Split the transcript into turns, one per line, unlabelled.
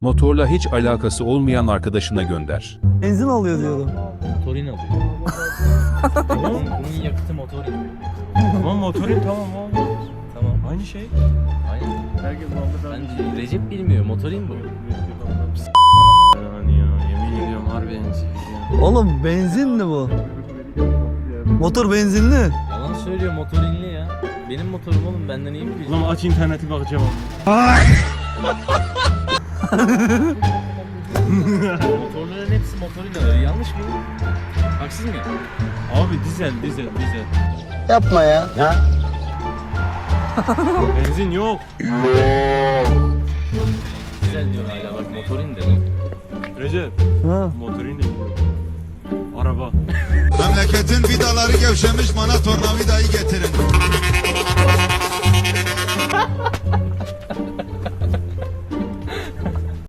Motorla hiç alakası olmayan arkadaşına gönder.
Benzin alıyor diyorum.
Motorin alıyor. Bunun yakıtı motorin.
Tamam motorin tamam abi.
Tamam.
Aynı şey.
Aynen.
Herkes Muhammed abi.
Bence Recep bilmiyor. Motorin bu.
Yani ya yemin ediyorum harbi en sevdiğim.
Oğlum benzinli bu. Motor benzinli.
Yalan söylüyor, motorinli ya. Benim motorum oğlum, benden iyi mi biliyorsun?
Ulan aç interneti bakacağım abi.
Motorların hepsi motorin alıyor. Yanlış mı? Haksız mı?
Abi dizel.
Yapma ya. Ha?
Benzin yok.
Güzel diyor hala, bak motorin de.
Recep.
Ha.
Motorin de yok. Araba.
Memleketin vidaları gevşemiş, bana tornavidayı getirin.